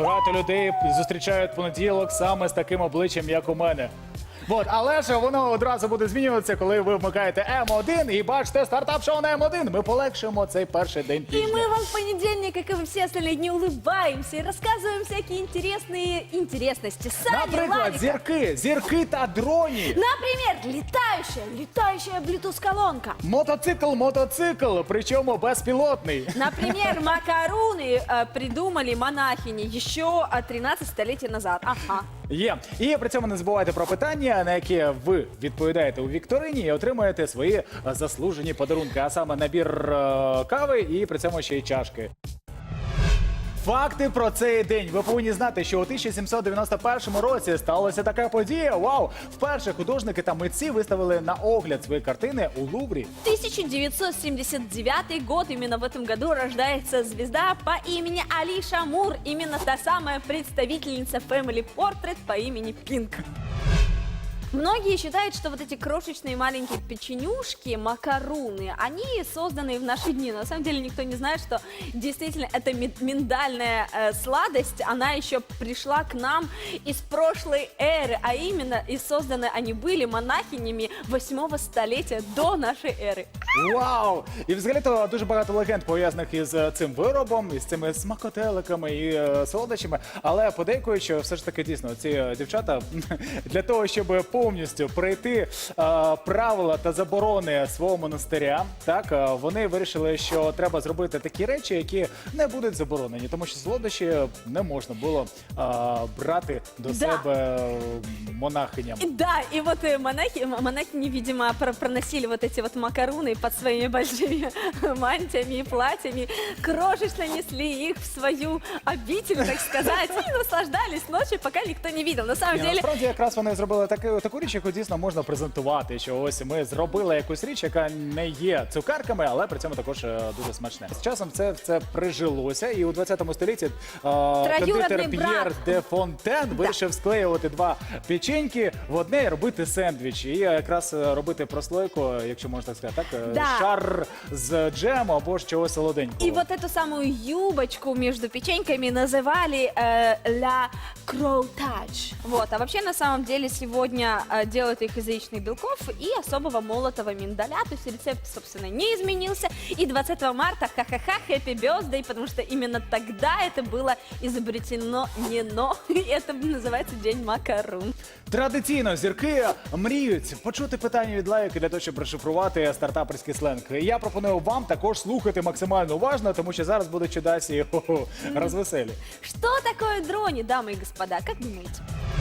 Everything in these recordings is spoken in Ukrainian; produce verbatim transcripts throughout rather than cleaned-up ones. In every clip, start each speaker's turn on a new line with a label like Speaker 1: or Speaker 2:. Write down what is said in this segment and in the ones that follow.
Speaker 1: багато людей зустрічають понеділок саме з таким обличчям, як у мене. Вот, але ж воно одразу буде змінюватися, коли ви вмикаєте М один і бачите стартап-шоу на М один. Ми полегшимо цей перший день
Speaker 2: И
Speaker 1: тижня.
Speaker 2: мы вам в понедельник, как и во все остальные дни, улыбаемся и рассказываем всякие интересные интересности. Сани,
Speaker 1: Наприклад,
Speaker 2: Ларика.
Speaker 1: зірки, зірки та дроні.
Speaker 2: Например, летающая, летающая Bluetooth-колонка.
Speaker 1: Мотоцикл, мотоцикл, причому безпілотний.
Speaker 2: Например, макаруны э, придумали монахини еще э, тринадцать столетий назад. Ага.
Speaker 1: Є. І при цьому не забувайте про питання, на які ви відповідаєте у вікторині і отримаєте свої е, заслужені подарунки, а саме набір е, кави і при цьому ще й чашки. Факти про цей день. Ви повинні знати, що у тисяча сімсот дев'яносто першому році сталася така подія. Вау! Вперше художники та митці виставили на огляд свої картини у Луврі.
Speaker 2: тысяча девятьсот семьдесят девятый год. Именно в этом году рождается звезда по имени Алиша Мур. Именно та самая представительница Family Portrait по имени Пинк. Многие считают, что вот эти крошечные маленькие печенюшки, макаруны, они созданы в наши дни. Но на самом деле никто не знает, что действительно эта ми- миндальная э, сладость, она еще пришла к нам из прошлой эры, а именно и созданы они были монахинями восьмого столетия до нашей эры.
Speaker 1: Вау! І взагалі-то дуже багато легенд пов'язаних із е, цим виробом, із цими смакотеликами і е, солодощами. Але подейкують, що все ж таки дійсно ці е, дівчата для того, щоб повністю пройти е, правила та заборони свого монастиря, так е, вони вирішили, що треба зробити такі речі, які не будуть заборонені, тому що солодощі не можна було е, брати до
Speaker 2: Да.
Speaker 1: себе е, монахиням.
Speaker 2: И да, и вот э, монахи, м- монахини, видимо, про- проносили вот эти вот макаруны под своими большими мантиями и платьями, крошечно несли их в свою обитель, так сказать, и наслаждались ночью, пока никто не видел. На самом
Speaker 1: Ні,
Speaker 2: деле,
Speaker 1: насправді якраз вони зробили таку, таку річ, яку дійсно можна презентувати, що ось ми зробили якусь річ, яка не є цукерками, але при цьому також е, дуже смачне. З часом це, це прижилося, і у двадцятому столітті е, кондитер П'єр
Speaker 2: брат.
Speaker 1: де Фонтен вирішив склеювати два печеньки в одне і робити сендвіч. І якраз е, робити прослойку, якщо можна так сказати, так, е,
Speaker 2: Да.
Speaker 1: шар з джему або ж чогось солоденького.
Speaker 2: и вот эту самую юбочку между печеньками называли э, «la crow touch». Вот. А вообще, на самом деле, сегодня э, делают их из яичных белков и особого молотого миндаля. То есть рецепт, собственно, не изменился. И двадцатого марта, ха-ха-ха, happy birthday, потому что именно тогда это было изобретено не но. И это называется День макарун.
Speaker 1: Традиційно зірки мріють почути питання від лайки для того, щоб розшифрувати стартаперський сленг. Я пропоную вам також слухати максимально уважно, тому що зараз будуть чудасі хо-хо, розвеселі.
Speaker 2: Что такое дрони, дамы и господа? Как думаете?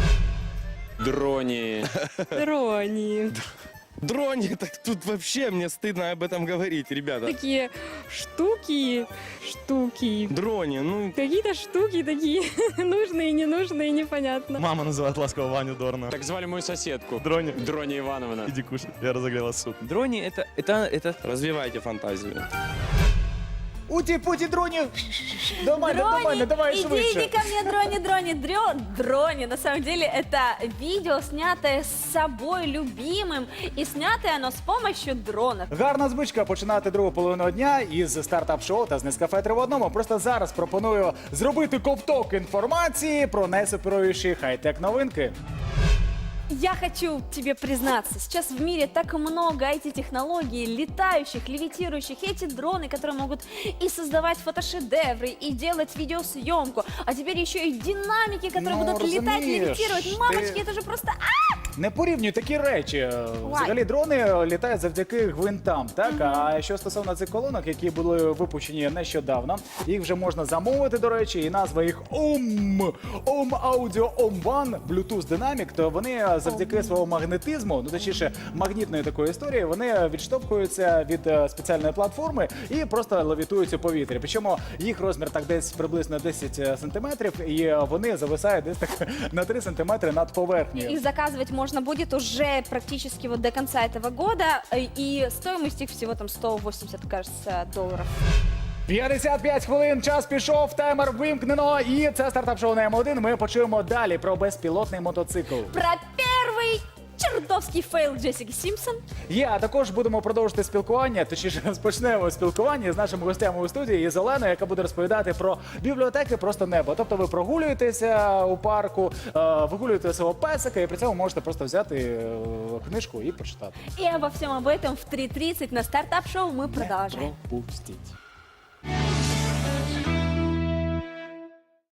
Speaker 3: Дрони.
Speaker 4: Дрони.
Speaker 5: Дрони, так тут вообще мне стыдно об этом говорить, ребята.
Speaker 4: Такие штуки, штуки.
Speaker 5: Дрони, ну...
Speaker 4: Какие-то штуки такие нужные, ненужные, непонятно.
Speaker 6: Мама называет ласково Ваню Дорна.
Speaker 3: Так звали мою соседку.
Speaker 6: Дрони.
Speaker 3: Дрони Ивановна.
Speaker 6: Иди кушай, я разогрела суп.
Speaker 5: Дрони это, это, это... Развивайте фантазию.
Speaker 1: Уті-путі дроні! До мене, до мене, давай
Speaker 2: иди,
Speaker 1: швидше.
Speaker 2: иди ко мне, дрони, дрони, дрё, дрони. На самом деле это видео, снятое с собой любимым, и снятое оно с помощью дронов.
Speaker 1: Гарна звичка починати другу половину дня із стартап-шоу та з Нескафе три в одному. Просто зараз пропоную зробити ковток інформації про найсуперовіші хай-тек новинки.
Speaker 2: Я хочу тебе признаться, сейчас в мире так много ай ти-технологий, летающих, левитирующих, эти дроны, которые могут и создавать фотошедевры, и делать видеосъемку, а теперь еще и динамики, которые
Speaker 1: Ну,
Speaker 2: будут летать,
Speaker 1: разумеешь,
Speaker 2: левитировать. Мамочки,
Speaker 1: ты-
Speaker 2: это же просто... А!
Speaker 1: Не порівнюй такі речі. Взагалі дрони літають завдяки гвинтам. Так? А що стосовно цих колонок, які були випущені нещодавно, їх вже можна замовити, до речі, і назва їх Om, Om Audio Om One, Bluetooth Dynamic, то вони завдяки свого магнетизму, ну точніше магнітної такої історії, вони відштовхуються від е, спеціальної платформи і просто левітують у повітрі. Причому їх розмір так десь приблизно десять сантиметрів, і е, вони зависають десь так на три сантиметри над поверхнею.
Speaker 2: Их заказывать можно будет уже практически вот до конца этого года, э, и стоимость их всего там сто восемьдесят, кажется, долларов.
Speaker 1: п'ятдесят п'ять хвилин, час пішов, таймер вимкнено, і це стартап-шоу на М один. Ми почуємо далі про безпілотний мотоцикл.
Speaker 2: Про первый чертовский фейл Джессики Симпсон.
Speaker 1: Є, а також будемо продовжити спілкування, точніше розпочнемо спілкування з нашими гостями у студії із Оленою, яка буде розповідати про бібліотеки просто небо. Тобто ви прогулюєтеся у парку, е, вигулюєте свого песика і при цьому можете просто взяти е, книжку і почитати.
Speaker 2: И обо всем об этом в три тридцать на стартап-шоу мы продолжаем.
Speaker 1: Пропустіть.